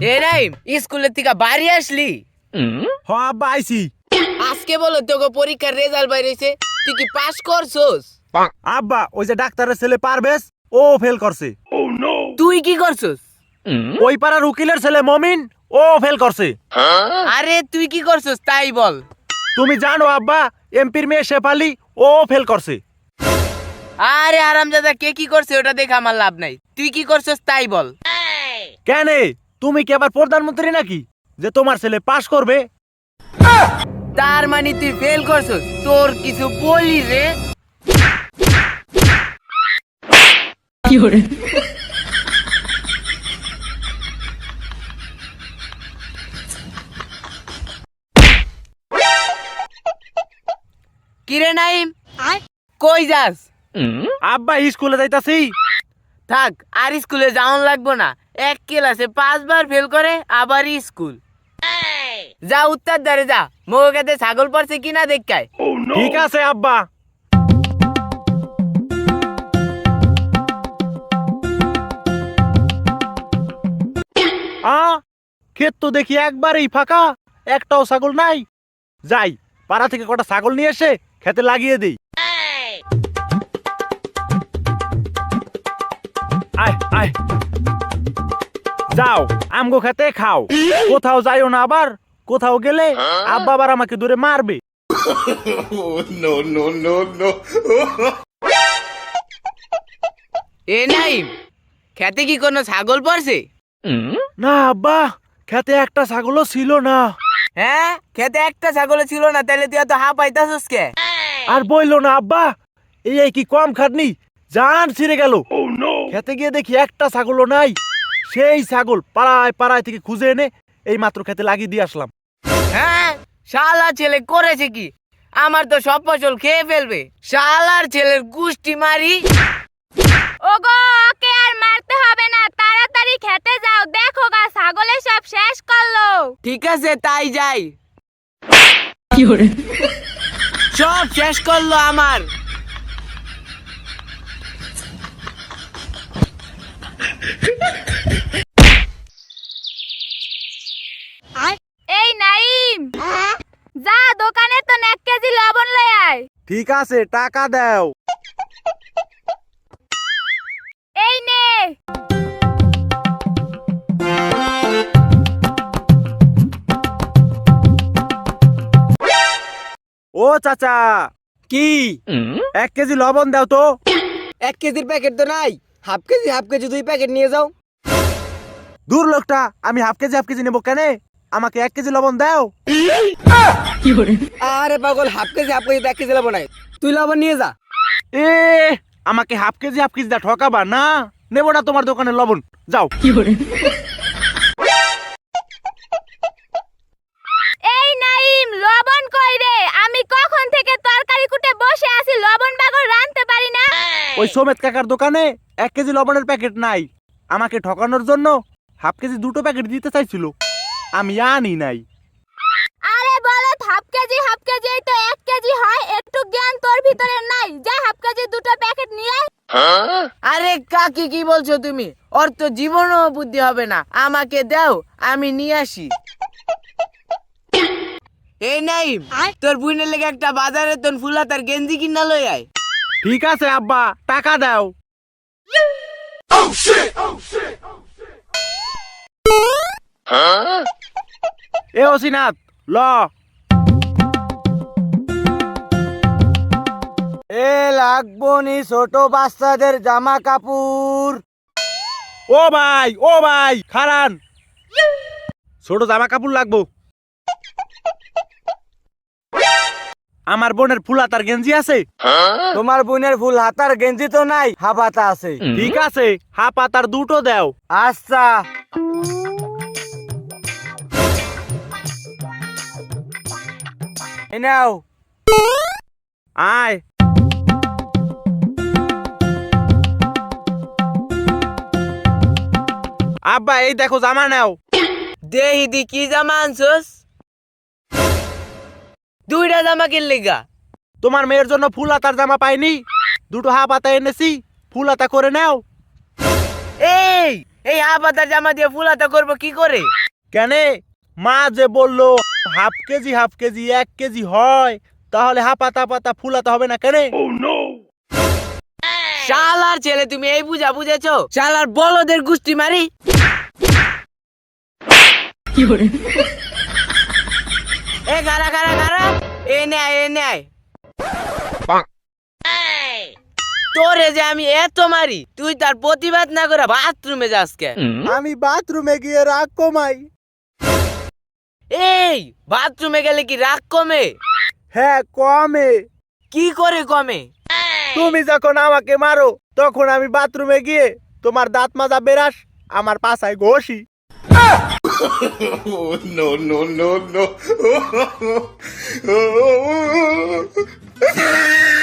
এ নাই স্কুলের থেকে বাড়ি আসলি? হ আব্বা আইছি। আজকে বলো তোকে পরীক্ষার রেজাল্ট বাইর হইছে, তুই কি পাস করছস? আব্বা ওই যে ডাক্তারের ছেলে পারবেশ ও ফেল করছে। তুই কি করছস? ওই পাড়ার উকিলের ছেলে মমিন ও ফেল করছে। আরে তুই কি করছস তাই বল। তুমি জানো আব্বা এমপির মেয়ে শেফালি ও ফেল করছে। আরে হারামজাদা কে কি করছে ওটা দেখে আমার লাভ নাই, তুই কি করছস তাই বল। কেন তুমি কি আবার প্রধানমন্ত্রী নাকি যে তোমার ছেলে পাস করবে? তার মানে তুই ফেল করছস, তোর কিছু বলি রে। কিরে নাইম, কই যাস? আব্বা স্কুলে যাইতাছি। থাক আর স্কুলে যাওন লাগবো না, এক ক্লাসে 5 বার ফেল করে আবার স্কুল। যা উত্তর দাঁড়ে যা, মোগাতে ছাগল পড়ছে কিনা দেখায়। ঠিক আছে আব্বা। ক্ষেত তো দেখি একবারেই ফাঁকা, একটাও ছাগল নাই। যাই পাড়া থেকে কটা ছাগল নিয়ে এসে খেতে লাগিয়ে দেই। আয় আয় যাও আমগো খেতে খাও, কোথাও যাইও না আবার। কোথাও গেলে আব্বা আবার আমাকে ধরে মারবে। এ নাইম, খেতে কি কোনো ছাগল পড়ছে? না আব্বা, খেতে একটা ছাগলও ছিল না। হ্যাঁ খেতে একটা ছাগল ছিল না, তাহলে তুই এত হাঁ পাইতাছস কে? আর বইলো না আব্বা, এই কি কম খাটনি, জান ছিঁড়ে গেল। খেতে গিয়ে দেখি একটা ছাগলও নাই। সেই ছাগল পাড়ায় পাড়ায় থেকে খুঁজে এনে এই মাত্র খেতে লাগিয়ে দিয়ে আসলাম। হ্যাঁ শালা ছেলে করেছে কি, আমার তো সব ফসল খেয়ে ফেলবে। শালার ছেলের গুষ্টি মারি। ওগো ওকে আর মারতে হবে না, তাড়াতাড়ি খেতে যাও, দেখো গা ছাগলে সব শেষ করলো। ঠিক আছে তাই যাই। সব শেষ করলো আমার। এই নাইম, যা দোকানে তো 1 কেজি লবণ লই আয়। ঠিক আছে টাকা দাও। এই নে। ও চাচা, কি 1 কেজি লবণ দাও তো। 1 কেজির প্যাকেট তো নাই, হাফ কেজি 2 প্যাকেট নিয়ে যাও। দূর লোকটা, আমি হাফ কেজি নেবো কেন? আমাকে 1 কেজি লবণ দাও। আরে পাগল, হাফ কেজি 1 কেজি লবণ নাই, তুই লবণ নিয়ে যা। এ আমাকে হাফ কেজি দা ঠকাবা না, নেবো না তোমার দোকানে লবণ, যাও। এই নাইম, লবণ কই রে? আমি কখন থেকে তরকারি কুটে বসে আছি, লবণ বাগর রাঁধতে পারি না। ওই সোমেত কাকার দোকানে 1 কেজি লবণের প্যাকেট নাই। আমাকে ঠকানোর জন্য হাফ কেজি 2টো প্যাকেট দিতে চাইছিল, আমি আনি নাই। আরে বলো হাফ কেজি এই তো 1 কেজি হয়, একটু জ্ঞান তোর ভিতরে নাই। যা হাফ কেজি 2টো প্যাকেট নিয়ে আয়। আরে কাকি কি বলছো তুমি? ওর তো জীবনও বুদ্ধি হবে না, আমাকে দাও আমি নিয়ে আসি। এই নাইম, তোর বোনের লেগে একটা বাজারে তোর ফুলা তার গেঞ্জি কিনা লই আয়। ঠিক আছে আব্বা, টাকা দাও। এ অসিনাথ ল। এ লাগবো নি ছোট বাচ্চাদের জামা কাপড়। ও ভাই খারান, ছোট জামা কাপড় লাগবো। আমার বোনের ফুল হাতার গেঞ্জি আছে? তোমার বোনের ফুল হাতার গেঞ্জি তো নাই, হাফ হাতা আছে। ঠিক আছে, হাফ হাতার 2টো দাও। আচ্ছা এই নাও। আয় আব্বা, এই দেখো জামা নাও। দেহি দি কি জামা আনছস? 2টা জামা কিনলি গা? তোমার মেয়ের জন্য ফুল হাতার জামা পাইনি, 2টো হাফ হাতা এনেছি, ফুল হাতা করে নাও। এই এই হাফ হাতার জামা দিয়ে ফুল হাতা করবো কি করে? কেনে মা যে বললো হাফ কেজি 1 কেজি হয়, তাহলে হাফাতা পাতা ফুলাতে হবে না কেনে? শালার ছেলে, তুমি এই বুঝা বুঝেছো? শালার বলদের গুষ্টি মারি। এ গারা গারা গারা, এ নেয় এ নেয়। তোরে যে আমি এত মারি, তুই তার প্রতিবাদ না করে বাথরুমে যাস কে? আমি বাথরুমে গিয়ে রাগ কমাই। এই বাথরুমে গেলে কি রাগ কমে? হ্যাঁ কমে। কি করে কমে? তুমি যখন আমাকে মারো তখন আমি বাথরুমে গিয়ে তোমার দাঁত মাজা বেরাস আমার পাছায় ঘষি। no, no, no, no.